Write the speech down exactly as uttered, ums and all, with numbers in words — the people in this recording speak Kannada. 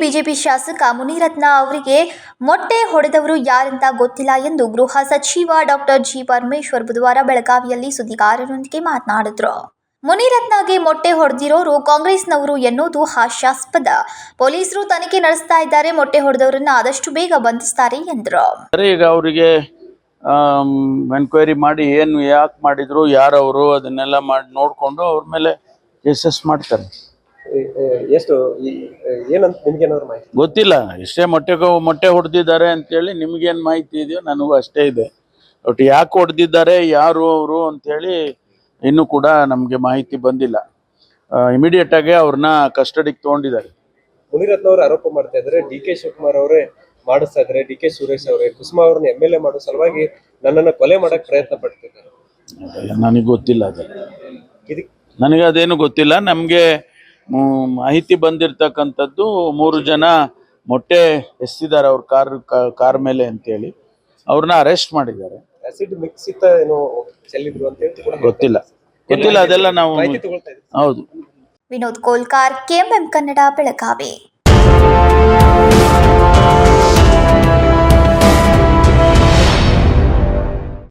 ಬಿಜೆಪಿ ಶಾಸಕ ಮುನಿರತ್ನ ಅವರಿಗೆ ಮೊಟ್ಟೆ ಹೊಡೆದವರು ಯಾರಂತ ಗೊತ್ತಿಲ್ಲ ಎಂದು ಗೃಹ ಸಚಿವ ಡಾಕ್ಟರ್ ಜಿ ಪರಮೇಶ್ವರ್ ಬುಧವಾರ ಬೆಳಗಾವಿಯಲ್ಲಿ ಸುದ್ದಿಗಾರರೊಂದಿಗೆ ಮಾತನಾಡಿದರು. ಮುನಿರತ್ನಗೆ ಮೊಟ್ಟೆ ಹೊಡೆದಿರೋರು ಕಾಂಗ್ರೆಸ್ನವರು ಎನ್ನುವುದು ಹಾಸ್ಯಾಸ್ಪದ. ಪೊಲೀಸರು ತನಿಖೆ ನಡೆಸ್ತಾ ಇದ್ದಾರೆ. ಮೊಟ್ಟೆ ಹೊಡೆದವರನ್ನ ಆದಷ್ಟು ಬೇಗ ಬಂಧಿಸ್ತಾರೆ ಎಂದರು. ಈಗ ಅವರಿಗೆ ಎನ್ಕ್ವೈರಿ ಮಾಡಿ ಏನು ಯಾಕೆ ಮಾಡಿದ್ರು, ಯಾರವರು, ಅದನ್ನೆಲ್ಲ ಮಾಡಿ ನೋಡಿಕೊಂಡು ಅವ್ರ ಮೇಲೆ ಕೇಸಸ್ ಮಾಡ್ತಾರೆ. ಎಷ್ಟು ಏನಂತ ನಿಮ್ಗೇನಾದ್ರು ಮಾಹಿತಿ ಗೊತ್ತಿಲ್ಲ. ಇಷ್ಟೇ ಮೊಟ್ಟೆ ಮೊಟ್ಟೆ ಹೊಡೆದಿದ್ದಾರೆ ಅಂತೇಳಿ ನಿಮ್ಗೇನು ಮಾಹಿತಿ ಇದೆಯೋ ನನಗೂ ಅಷ್ಟೇ ಇದೆ. ಒಟ್ಟು ಯಾಕೆ ಹೊಡೆದಿದ್ದಾರೆ, ಯಾರು ಅವರು ಅಂತೇಳಿ ಇನ್ನೂ ಕೂಡ ನಮಗೆ ಮಾಹಿತಿ ಬಂದಿಲ್ಲ. ಇಮಿಡಿಯೇಟ್ ಆಗಿ ಅವ್ರನ್ನ ಕಸ್ಟಡಿಗೆ ತೊಗೊಂಡಿದ್ದಾರೆ. ಮುನಿರತ್ನ ಅವರು ಆರೋಪ ಮಾಡ್ತಾ ಇದ್ದಾರೆ, ಡಿ ಕೆ ಶಿವಕುಮಾರ್ ಅವರೇ ಮಾಡಿಸ್ತಾ ಇದ್ದಾರೆ. ಡಿ ಕೆ ಸುರೇಶ್ ಅವರೇ ಕುಸುಮಾ ಅವ್ರನ್ನ ಎಮ್ ಎಲ್ ಎ ಮಾಡೋ ಸಲುವಾಗಿ ನನ್ನನ್ನು ಕೊಲೆ ಮಾಡಕ್ ಪ್ರಯತ್ನ ಪಡ್ತಿದ್ದಾರೆ. ನನಗೆ ಗೊತ್ತಿಲ್ಲ ಅದು, ನನಗೆ ಅದೇನು ಗೊತ್ತಿಲ್ಲ. ನಮಗೆ ಮಾಹಿತಿ ಬಂದಿರತಕ್ಕಂಥದ್ದು ಮೂರು ಜನ ಮೊಟ್ಟೆ ಎಸೆದಿದ್ದಾರೆ ಅವ್ರ ಕಾರ್ ಕಾರ್ ಮೇಲೆ ಅಂತೇಳಿ ಅವ್ರನ್ನ ಅರೆಸ್ಟ್ ಮಾಡಿದ್ದಾರೆ. ಆಸಿಡ್ ಮಿಕ್ಸ್ ಇತ್ತ ಏನೋ ಚೆಲ್ಲಿದ್ರು ಅಂತ ಹೇಳಿ ಗೊತ್ತಿಲ್ಲ ಗೊತ್ತಿಲ್ಲ ಅದೆಲ್ಲ ನಾವು ಹೌದು. ವಿನೋದ್ ಕೋಲ್ಕಾರ್, ಕೆಎಂಎಂ ಕನ್ನಡ, ಬೆಳಗಾವಿ.